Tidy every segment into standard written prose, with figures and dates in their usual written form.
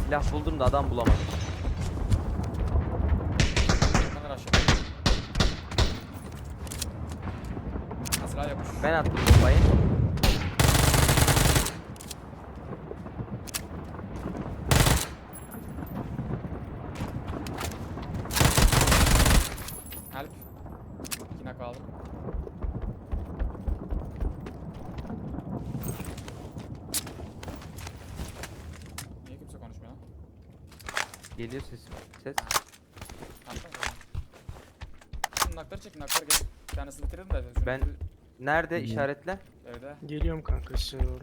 Silah buldum da adam bulamadım. Hemen aşağı. Silah yapmış. Ben attım bombayı. Help. Yine kaldım. Niye kimse konuşmuyor lan? Geliyor ses. Arkada mı? Şimdi nakları çekin, nakları gel. Bir tanesini bitirelim de. Şunu Ben nerede işaretle? Evde. Geliyorum kanka size doğru.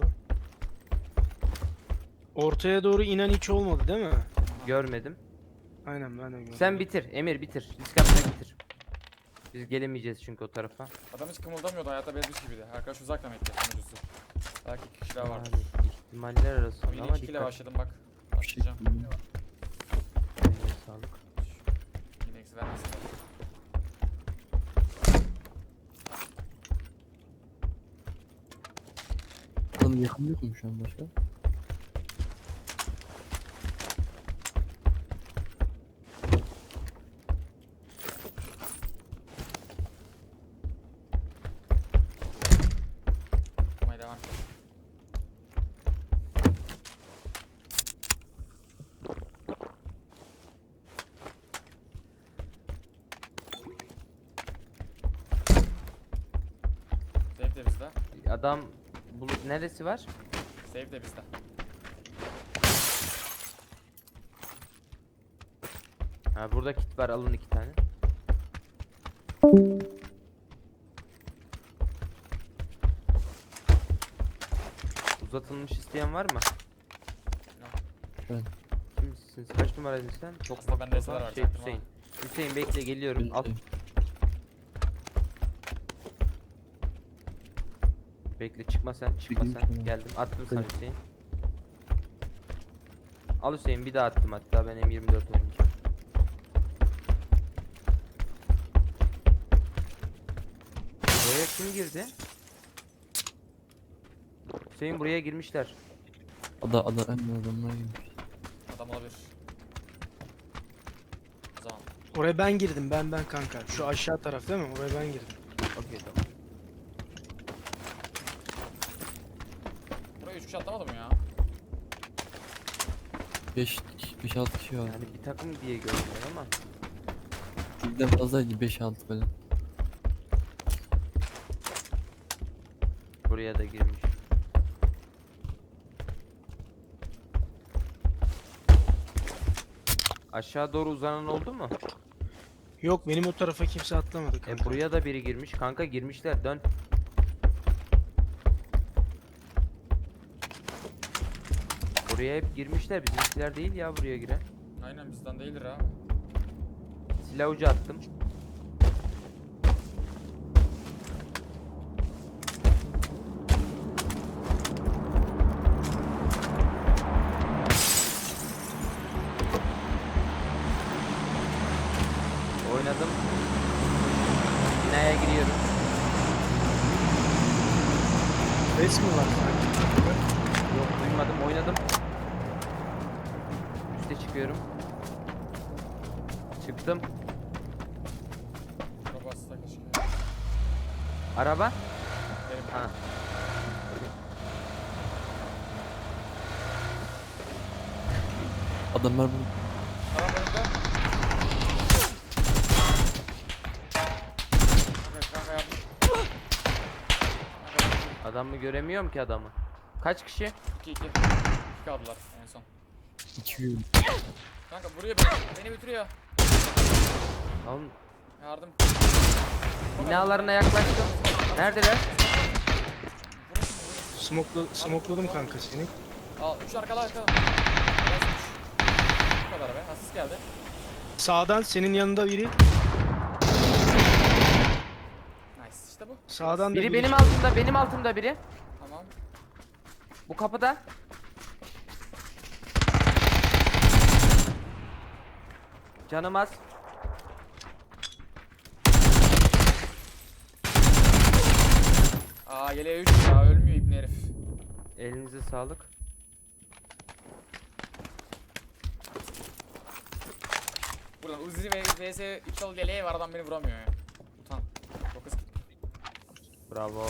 Ortaya doğru inen hiç olmadı değil mi? Görmedim. Aynen ben de gördüm. Sen bitir. Emir bitir. Risk atma bitir. Biz gelemeyeceğiz çünkü o tarafa. Adam hiç kımıldamıyordu, hayata bezmiş gibiydi. Arkadaş uzakla mı etti sonucusu? Belki 2 kişi daha vardır. Yani ihtimaller arasında Yine ama 2 kile dikkat. başladım bak. Başlayacağım. Eline sağlık. Yine eksi vermesin. Adam yakın yok mu şu an başka? Yapmaya devam et. Save de bizde. Adam neresi var? Save de bizde. Ha burada kit var, alın 2 tane. Uzatılmış isteyen var mı? Ben. Kimsin? Kaç numaraydın sen? Çok Aslında bende eser var, şey çaktırma. Hüseyin. Hüseyin bekle geliyorum. Al. Bekle çıkma sen, çıkma Bildim sen. sana. Geldim. Attım sana Hadi. Hüseyin. Al Hüseyin bir daha attım hatta ben M24 oynayacağım. Buraya kim girdi? Hüseyin buraya girmişler. Ada en adamlar gibi. Adam olabilir. O zaman. Oraya ben girdim ben kanka. Şu aşağı taraf değil mi? Oraya ben girdim. Okey tamam. Buraya 3 kişi atlamadı mı ya? 5-6 kişi var. Yani bir takım diye görünüyor ama. Birden fazlaydı 5-6 böyle. Buraya da girmiş. Aşağı doğru uzanan oldu mu? Yok benim o tarafa kimse atlamadı kanka. Buraya da biri girmiş. Kanka girmişler. Dön. Buraya hep girmişler. Bizimkiler değil ya buraya giren. Aynen bizden değildir abi. Silah ucu attım. Oynadım. Binaya giriyorum. Res mi var sanki? Yok duymadım. Oynadım. Üste çıkıyorum. Çıktım. Çok bastı keşke. Araba. Benim. Ha. Adamlar bu. Tamam önümde. Evet kanka yapmış. Adamı göremiyorum ki adamı. Kaç kişi? 2-2. 2 kaldılar en son. 2 gün. Kanka buraya beni bitiriyor. Oğlum Yardım. binalarına yaklaştım. Neredeler? Smokladım kanka seni. Al 3 arkada. Bu kadar be. Asist geldi. Sağdan senin yanında biri. Nice işte bu. Sağdan da Biri benim altımda, benim altımda biri. Tamam. Bu kapıda. Canım az. Aa yeleğe 3 ya ölmüyor ibne herif. Elinize sağlık. oradan. Uzi ve vs 3 yıl yeleği var, adam beni vuramıyor ya. Utan. Çok hızlı. Bravo.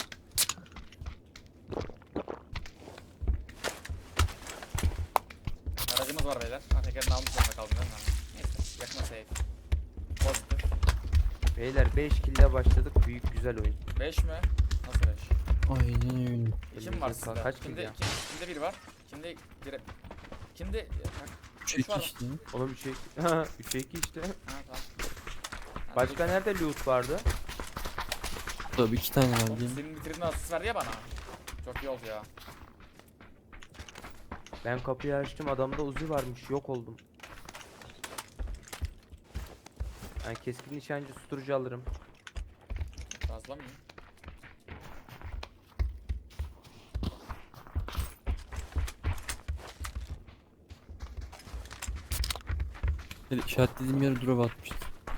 Aracımız var beyler. Ha, tekerini almış zorunda kaldım değil mi? Neyse, yakma safe. Pozitif. Beyler 5 kill'le başladık. Büyük güzel oyun. 5 mi? Nasıl 5? Aynen öyle. Kim var Elinize sağlık. sizde? Kaç kill Kimde, ya? kimde biri var? Kimde biri... Kimde... Bak, 3 üç var 2 mı? işte. Oğlum 3'e 3'e 2 işte. Ha tamam. Ha, Başka nerede loot vardı? Tabii 2 tane var Oğlum, diyeyim. senin bitirdiğin asist verdi ya bana. Çok iyi oldu ya. Ben kapıyı açtım, adamda Uzi varmış, yok oldum. Ben keskin nişancı susturucu alırım. Fazla mıyım? Böyle işaretlediğim yere drop atmıştı.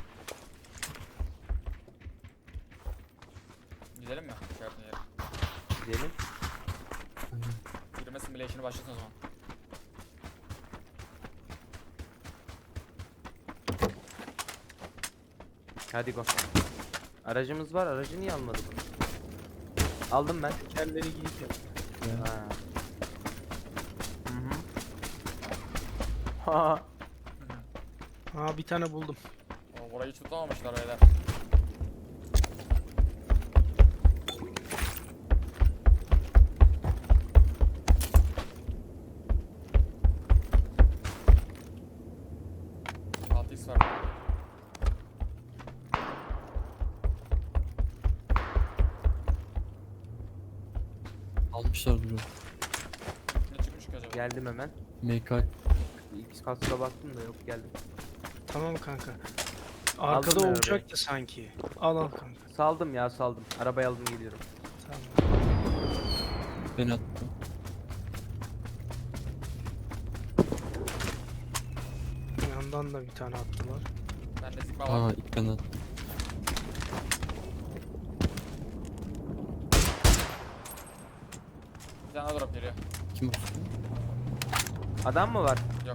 Gidelim mi? İşaretine yere. Gidelim. Yürüme simülation'ı başlasın o zaman. Hadi go. Aracımız var, aracı niye almadık? Aldım ben. Tekerleri giyip yap. Ha. Hı hı. Ha. Aa bir tane buldum. O burayı hiç tutamamışlar beyler. Altı X var. Almışlar drop. Ne çıkmış ki acaba? Geldim hemen. MK X kaska baktım da yok, geldim. Tamam kanka. Arkada Aldım ben olacaktı sanki. Al al kanka. Saldım ya, saldım. Arabayı aldım, geliyorum. Tamam. ben attım. Yandan da bir tane attılar. Bende zikma var. Aa ilk ben attım. Bir tane daha drop geliyor. Kim o? Adam mı var? Yok.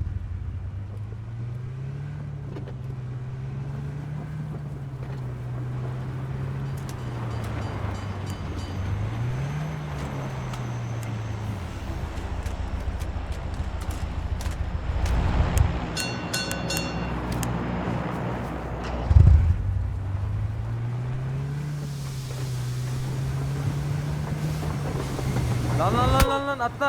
Lan atla.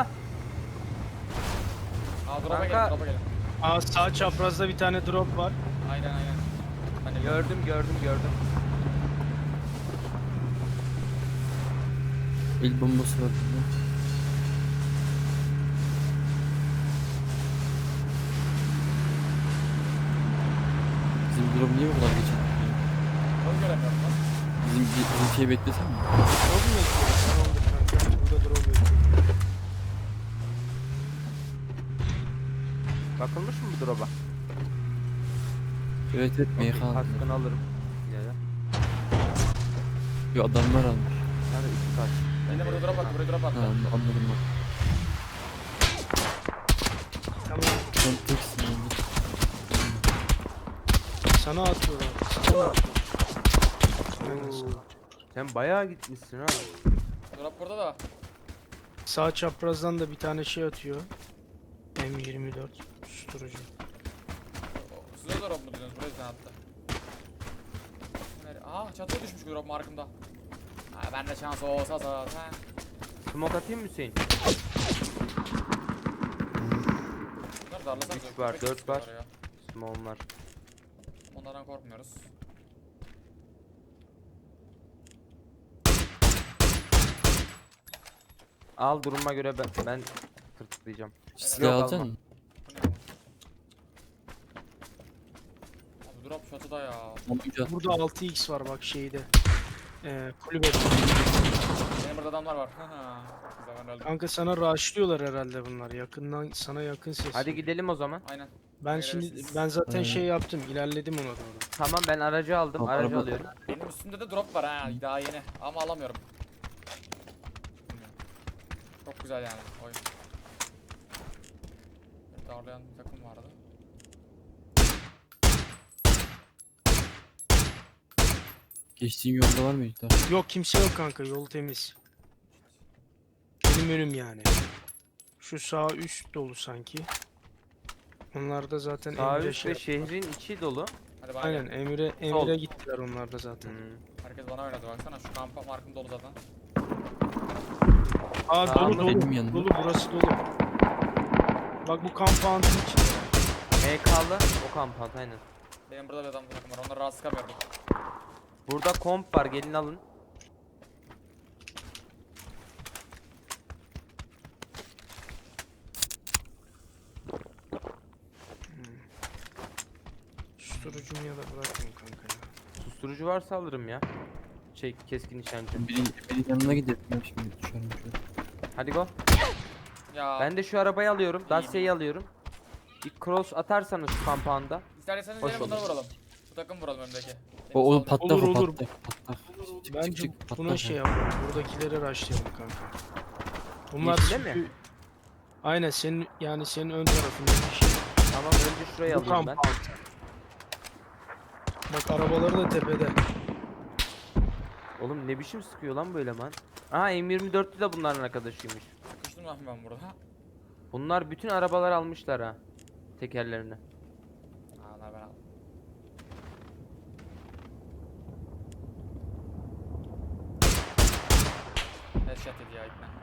Aa drop'a Kanka. gelin, drop'a gelin. Aa sağ çaprazda bir tane drop var. Aynen aynen. Ben de Gördüm. El bombası var burada. Bizim drop niye bu kadar geç attı ya? Onu göremiyorum lan. Bizim şeyi beklesem mi? Drop mu bekliyor? Tamamdır kanka. Burada drop bekliyor. Bakılmış mı bu drop'a? Evet evet MK aldım. Kaskını alırım. Ya. Yo adamlar almış. Yani 2 kask. Ben de burada drop attı, buraya drop Ha attı. anladım bak. Tamam. Sen teksin önce. Sana atıyorlar. Sana atıyorlar. Aynen sana. Sen bayağı gitmişsin ha. Drop burada da. Sağ çaprazdan da bir tane şey atıyor. M24 susturucu. Size drop mu diyorsunuz? Buraya bir tane attı. Aa çatıya düşmüş drop markımda. Ha ben de şans olsa zaten. Smoke atayım mı Hüseyin? Bunları darlasanız. Üç var, dört var. Smoke'um var. Onlardan korkmuyoruz. Al, duruma göre ben tırtıklayacağım. Silah Yok, alacaksın alma. mı? Abi drop çatıda ya. Olmayacak. Burada 6x var bak şeyde. Kulübede. Benim burada adamlar var. Güzel ben öldüm. Kanka sana rushlıyorlar herhalde bunlar. Yakından sana yakın ses. Hadi gidelim o zaman. Aynen. Ben şimdi Gelebilirsiniz. ben zaten Aynen. şey yaptım. İlerledim ona doğru. Tamam, ben aracı aldım. Al, Aracı araba. alıyorum. Benim üstümde de drop var ha daha yeni ama alamıyorum. Bilmiyorum. Çok güzel yani oyun. Darlayan bir takım vardı. Geçtiğin yolda var mı İhtar? Yok kimse yok kanka, yol temiz. Benim önüm yani. Şu sağ üst dolu sanki. Onlar da zaten Sağ Emre üst ve şehrin içi dolu. Hadi bana Aynen gel. Emre Sol. gittiler onlar da zaten. Herkes bana oynadı baksana. Şu kampa markım dolu zaten. Aa Sağ dolu mı? dolu. Benim yanımda. Dolu burası dolu. Bak bu compound'un içinde. MK'lı o kampant aynen. Benim burada bir adam takım var. Onları rahat sıkamıyorum. Burada komp var, gelin alın. Susturucumu ya da bırakmayayım kanka ya. Susturucu varsa alırım ya. Keskin nişancı. Birinin yanına gidelim ya şimdi düşerim şöyle. Hadi go. Ya. Ben de şu arabayı alıyorum. Dacia'yı alıyorum. Bir cross atarsanız şu kampanda. İsterseniz Hoş gelin bunları olur. vuralım. Bu takım vuralım önündeki. O patlak Olur, o olur. patlak patlak. Çık, Bence çık, çık, buna patlak şey o. yapalım. Buradakileri rushlayalım kanka. Bunlar Yeşile mi? çünkü... Aynen senin yani senin ön tarafında bir şey. Tamam, önce şurayı Bu alayım ben. compound. Bak arabaları da tepede. Oğlum ne biçim sıkıyor lan böyle man. Aha M24'lü de bunların arkadaşıymış. Sıkıştım lan ben burada. Bunlar bütün arabalar almışlar ha. Tekerlerini. Aa lan ben aldım. Headshot yedi ya ikna.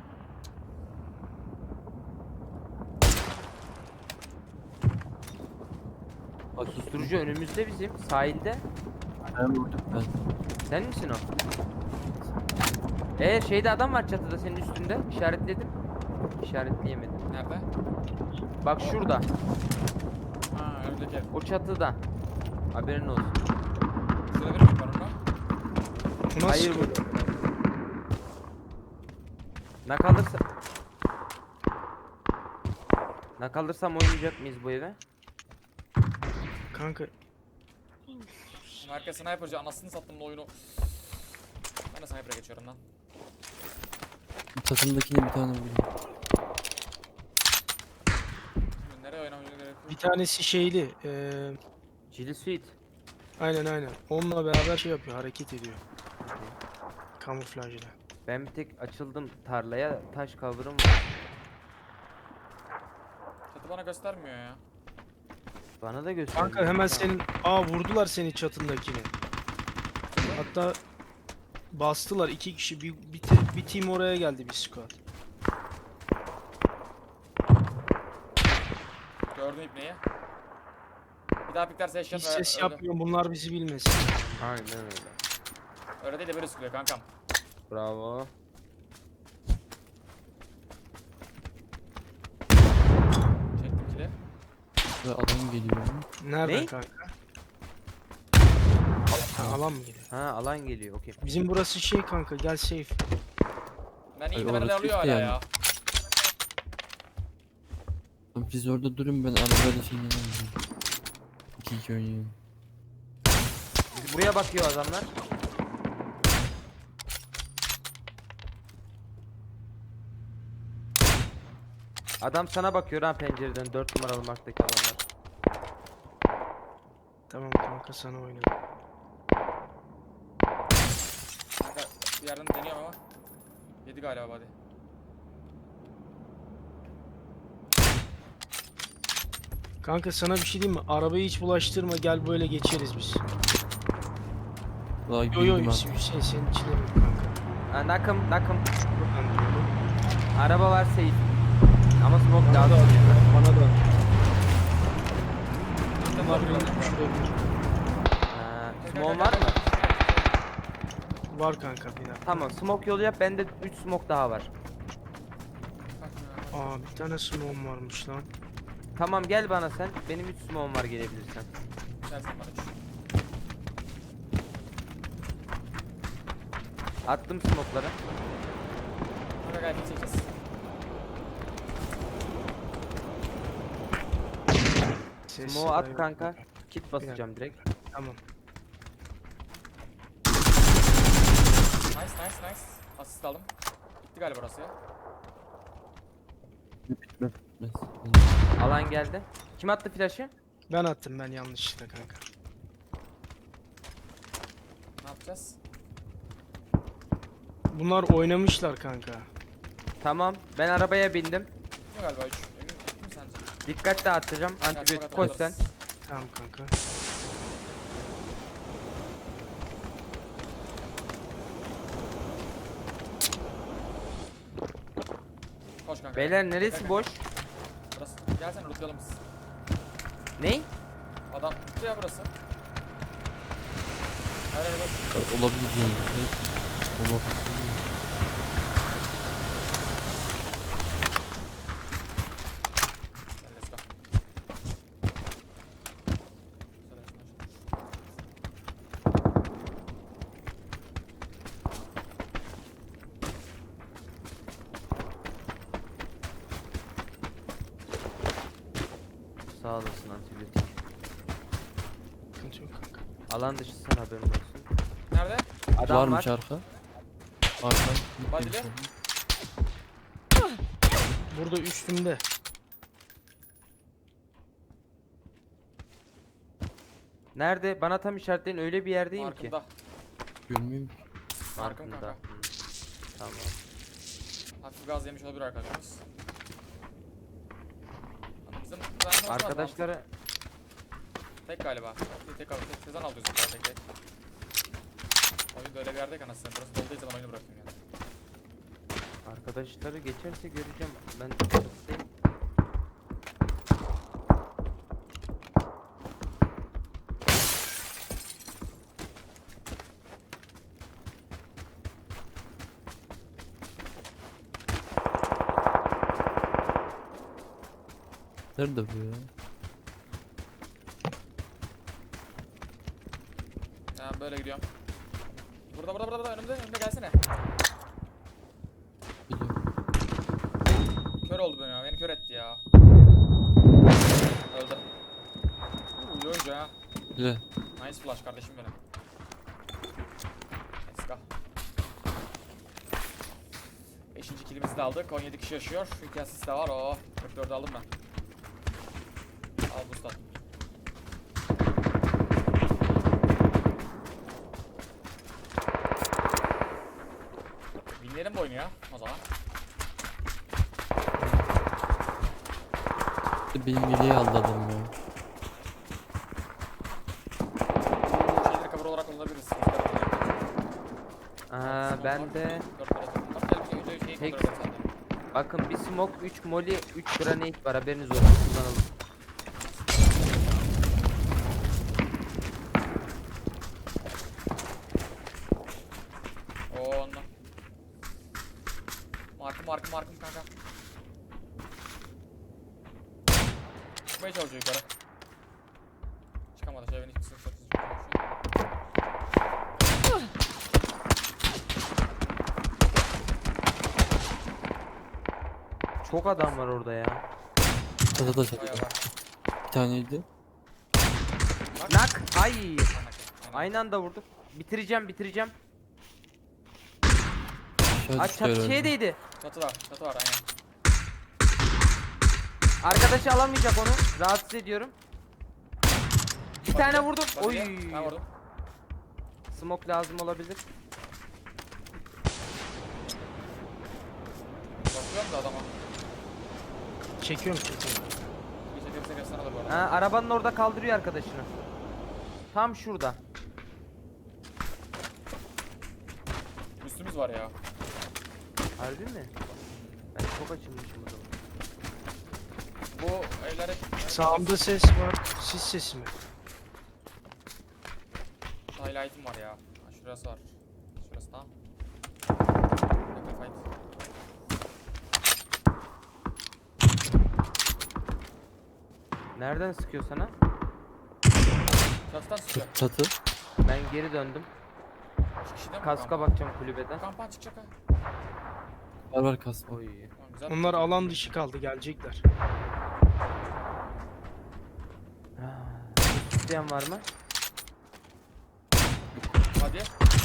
Bak susturucu önümüzde bizim sahilde. Ben vurdum ben. Sen misin o? Şeyde adam var çatıda senin üstünde. İşaretledim. İşaretleyemedim. Nerede? Bak şurada. Ha önümdeki ev. O çatıda. Haberin olsun. Şurada biri mi var orada? Bu nasıl Hayır sıkıyor? bu. Nakalırsa... Nakalırsam oynayacak mıyız bu eve? Kanka Herkes sniperci anasını sattım bu oyunu. Ben de sniper'a geçiyorum lan. Takımdakine bir tane vurdum. Nereye oynamaya gerek bir yok. tanesi şeyli. Chili Sweet. Aynen. Onunla beraber şey yapıyor, hareket ediyor. Kamuflajla. Ben bir tek açıldım tarlaya. Taş cover'ım var. Çatı bana göstermiyor ya. Bana da göster. Kanka hemen senin... Aa vurdular seni çatındakini. Hatta bastılar 2 kişi. Bir team oraya geldi, bir squad. Gördüm ipneyi. Bir daha piklerse headshot Hiç ve ses öldü. yapmıyor, bunlar bizi bilmesin. Aynen öyle. Öyle değil de böyle sıkılıyor kankam. Bravo. Çektim kili. Ve adam geliyor. Nereden Ne? kanka? Ha, alan mı geliyor? Ha alan geliyor. Okey. Bizim burası şey kanka, gel safe. Ben iyi de orası beni de alıyor çift hala yani. ya. Lan siz orada durun, ben arabayla şeyini alayım. 2-2 oynayayım. Buraya bakıyor adamlar. Adam sana bakıyor ha pencereden 4 numaralı marktaki adamlar. Tamam kanka, sana oynadım. Kanka bir yerden deniyorum ama. Yedi galiba hadi. Kanka sana bir şey diyeyim mi? Arabayı hiç bulaştırma, gel böyle geçeriz biz. Daha Yo girdim Hüseyin senin içinde yok kanka. Ha, nakım. Buradan diyorum. Araba var safe. Ama smoke Bana da lazım. bana da. Gittim Bunlar var benim burada. düşürebilir. Ha, smoke var mı? Var kanka bir dakika. Tamam smoke yolu yap, bende 3 smoke daha var. Aa bir tane smoke'um varmış lan. Tamam gel bana sen, benim 3 smoke'um var gelebilirsen. Gelsin bana üç. Attım smoke'ları. Kanka gayet çekeceğiz. Ses Smoke at yok. kanka. Kit basacağım direkt. Tamam. Nice. Asist aldım. Bitti galiba orası ya. Bitmez. Alan geldi. Kim attı flash'ı? Ben attım, ben yanlışlıkla kanka. yapacağız? Bunlar oynamışlar kanka. Tamam ben arabaya bindim. Yok galiba 3. Emin mi sence? Dikkat dağıtacağım. Gel, Antibiyotik fakat koy alırız. sen. Tamam kanka. Koş kanka. Beyler Gel neresi kanka. boş? Burası. Gelsene lootlayalım biz. Ney? Adam tuttu ya burası. Her yer boş. Olabilir yani. Evet. Olabilir. Gel, let's go. Sağ olasın antibiyotik. Sıkıntı yok kanka. Alan dışısın haberin olsun. Nerede? Adam Varmış var. arka. Arka. Badili. Burada üstümde. Nerede? Bana tam işaretleyin, öyle bir yerdeyim ki. Markımda. Görmüyorum ki. Markım Farkında. kanka. Hı. Tamam. Hafif gaz yemiş olabilir arkadaşımız. Bizim güvenli olmaz Arkadaşları mı? Tek galiba. Tek Sezan alıyoruz zaten tek. Oyun böyle bir yerdeyken aslında burası dolduysa ben oyunu bırakayım yani. arkadaşları geçerse göreceğim. Ben çatıdayım. Nerede bu ya? Ha böyle gidiyorum. Burada önümde gelsene. Biliyorum. Kör oldu beni ya. Beni kör etti ya. Öldü. İyi oyuncu ha. Güzel. Nice flash kardeşim benim. Let's go. 5. killimizi de aldık. 17 kişi yaşıyor. 2 asist de var. Oo. 44 aldım ben. Al boost at. Winlerim bu oyunu ya o zaman. Benim yeleği aldı adam ya. Bu şeyleri cover olarak kullanabiliriz. Ben de Şeyi Tek- kontrol et sen de. bakın bir smoke, 3 molly, 3 granate var, haberiniz olsun, kullanalım. Oo onunla. Markım kanka. Çıkmaya çalışıyor yukarı. Çıkamadı şey beni hiç sıkıntı Çok adam var orada ya. Çatıda Bayağı çatıda. var. Bir taneydi. Nak! Ay! Aynen. Aynı anda vurduk. Bitireceğim. Aşağı Aç düştü çat herhalde. şey değdi. Çatı var aynen. Arkadaşı alamayacak onu. Rahatsız ediyorum. Bir tane vurdum. Oy. Ben vurdum. Smoke lazım olabilir. Bakıyorum da adama. Çekiyorum. Bir çekersek efsane olur bu arada. Ha, arabanın orada kaldırıyor arkadaşını. Tam şurada. Üstümüz var ya. Harbi mi? Ben çok açılmışım o zaman. Bu evler hep... Sağımda ses var. Sis sesi mi? Highlight'im var ya. Ha, şurası var. Şurası tamam. Yakın fight. Nereden sıkıyor sana? Çatıdan sıkıyor. Çatı. Ben geri döndüm. 2 kişi değil mi? Kaska Kampan? bakacağım kulübeden. Kampan çıkacak ha. Var kasma. Oy. Tamam, güzel. Onlar alan dışı kaldı. Gelecekler. İsteyen var mı? Hadi.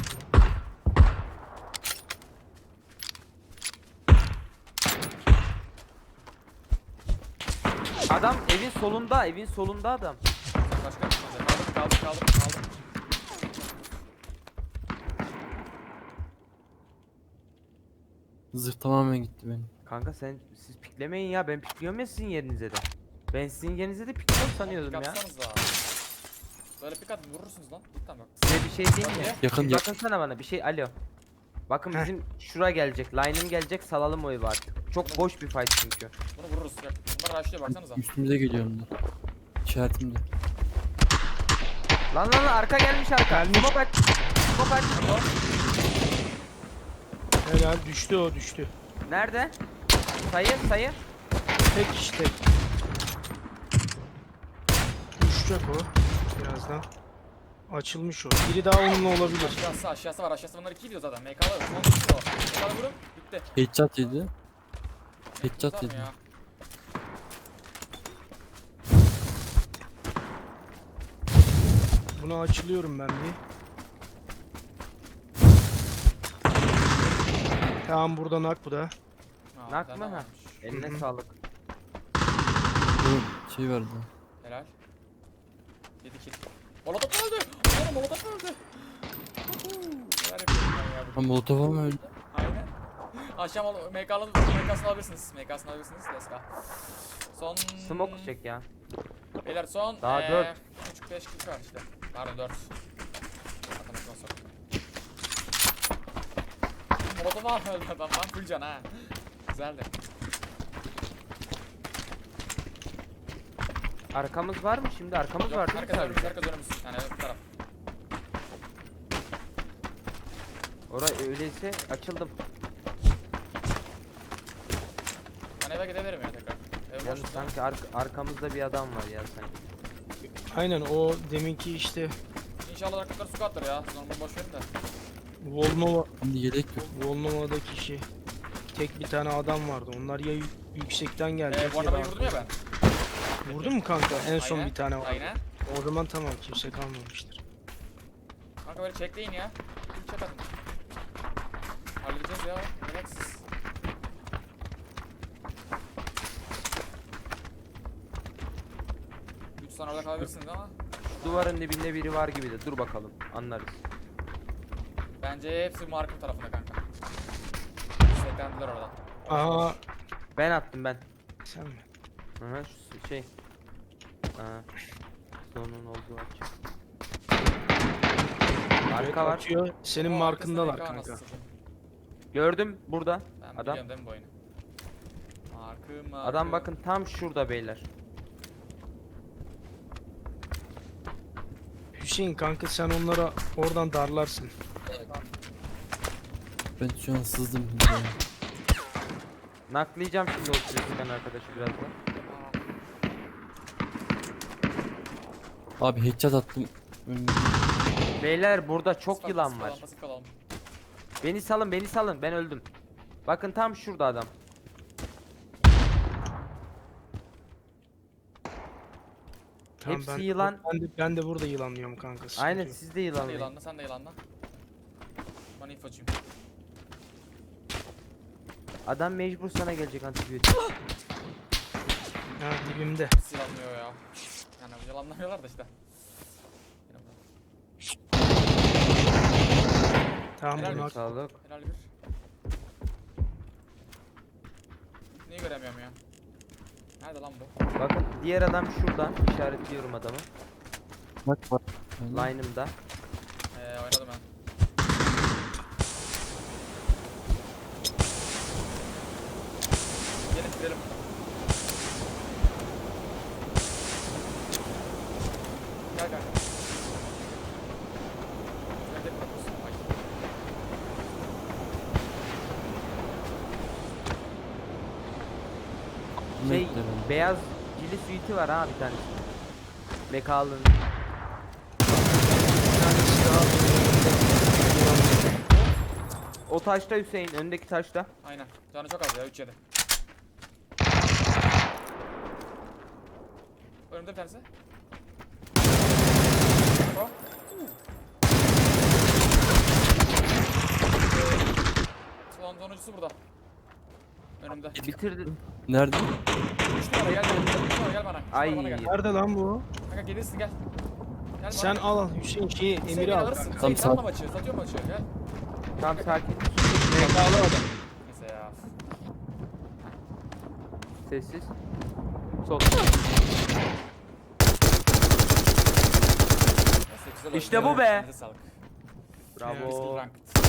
Adam evin solunda adam. Başka bir şey. Kaldım. Zırh tamamen gitti benim. Kanka siz piklemeyin ya, ben pikliyorum ya sizin yerinize de. Ben sizin yerinize de pikliyorum sanıyordum Pik ya. atsanıza. Böyle pik at vurursunuz lan. Cidden bak. Size bir şey diyeyim mi? Hadi. Yakın Bir yakın. bakın sana bana bir şey, alo. Bakın Heh. bizim şura gelecek, line'ım gelecek, salalım o evi artık. Çok boş bir fight çünkü. Bunu vururuz. Yok. Bunlar rushlıyor baksanıza. Üstümüze geliyor onlar. İşaretimde. Lan arka gelmiş arka. Gelmiş. Smoke aç. Smoke aç. Helal, düştü o, düştü. Nerede? Sayı. Tek işte. Düşecek o birazdan. Açılmış o. Biri daha onunla olabilir. Aşağısı var. Aşağısı bunlar 2 diyor zaten. MK'lı. Son 2 o. MK'lı vurun. Bitti. Headshot yedi. Headshot Tutar mı yedi. ya? Buna açılıyorum ben bir. Tamam, burada nak bu da. Ha, Nak bir tane mı? daha Ha. varmış. Eline Hı hı. sağlık. Bu şey vardı. Helal. 7 kill. Molotov öldü. Oğlum Molotov öldü. Neler yapıyorum ben ya bugün? Ha Molotov mu öldü? Aynen. Akşam MK'sını alabilirsiniz. MK'sını alabilirsiniz. Let's go. Son... Smoke çek ya. Beyler son... Daha 4. 3-5 kill var işte. Pardon 4. Matematik olsa. Molotov al öldü adam lan. Full can ha. Güzeldi. Arkamız var mı şimdi? Arkamız Yok, var değil mi herkes önümüz, sadece? herkes önümüz. Yani bu taraf. Oraya öyleyse açıldım. Ben eve gidebilirim ya tekrar. Ev Yani boş. sanki arkamızda bir adam var ya sanki. Aynen, o deminki işte İnşallah rakipler su katlar ya. Siz onu boş verin de. Volnova, Şimdi yelek yok. Volnova'daki şey. Tek bir tane adam vardı. Onlar ya yüksekten gelecek Bu ya da arabayı vurdum ya ben. Vurdun mu kanka? En son Aynen, bir tane var. Aynen. O zaman tamam, kimse kalmamıştır. Kanka böyle çekleyin ya. Bir çek atın. Halledeceğiz ya. Relaxız. Üç tane orada kalabilirsiniz ama Duvarın dibinde biri var gibi de, dur bakalım anlarız. bence hepsi markım tarafında kanka. Seklendiler orada. Aa, Ben attım ben. sen mi? Aha şu şey. Aa, sonun olduğu açı. Arka var. Atıyor. Senin Ama markındalar arkasında kanka. MK nasıl? Gördüm burada. Ben Adam. biliyorum değil mi bu oyunu? Markım. Adam bakın tam şurada beyler. Hüseyin kanka, sen onlara oradan darlarsın. Ben şu an sızdım. Naklayacağım şimdi o sürüden arkadaşı birazdan. Abi headshot attım. Önüme. Beyler burada çok yılan var. Pasif kalalım. Beni salın ben öldüm. Bakın tam şurada adam. Tamam, Hepsi yılan. Ben de burada yılanlıyorum kanka. sıkıntı Aynen yok. siz de Sen de yılanlayın. yılanla, sen de yılanla. Bana infocuyum. Adam mecbur sana gelecek antibiyotik. Ha, dibimde. Hiç yılanmıyor ya. Yani yılanlamıyorlar da işte. Tamam, Helal bunu olsun. Sağlık. Helal bir. Neyi göremiyorum ya? Nerede lan bu? Bakın diğer adam şurada. İşaretliyorum adamı. Bak var. Line'ımda. Oynadım ben. Gelin gidelim. Gel kanka. Nerede bırakıyorsun? Ay. Şey beyaz cili suiti var ha bir tanesi. Mekalın. O taşta Hüseyin, öndeki taşta. Aynen. Canı çok az ya 3-7. Önümde bir tanesi. O. Sonuncusu burada. Önümde. Bitirdi. Nerede? 3 numara gel bana. 3 numara gel bana. Üç numara Ay. bana gel. Nerede lan bu? Kanka gelirsin gel. Gel Sen bana. al Hüseyin şeyi, Hüseyin Emir'i beni al. alırsın. kanka. Hüseyin Tamam, satma maçı. Satıyor maçı. Gel. Tam sakin. MK'lı adam. Neyse ya. Sessiz. Sol. Neyse, güzel oyun. İşte bu be. Elinize sağlık. Bravo. Skill ranked.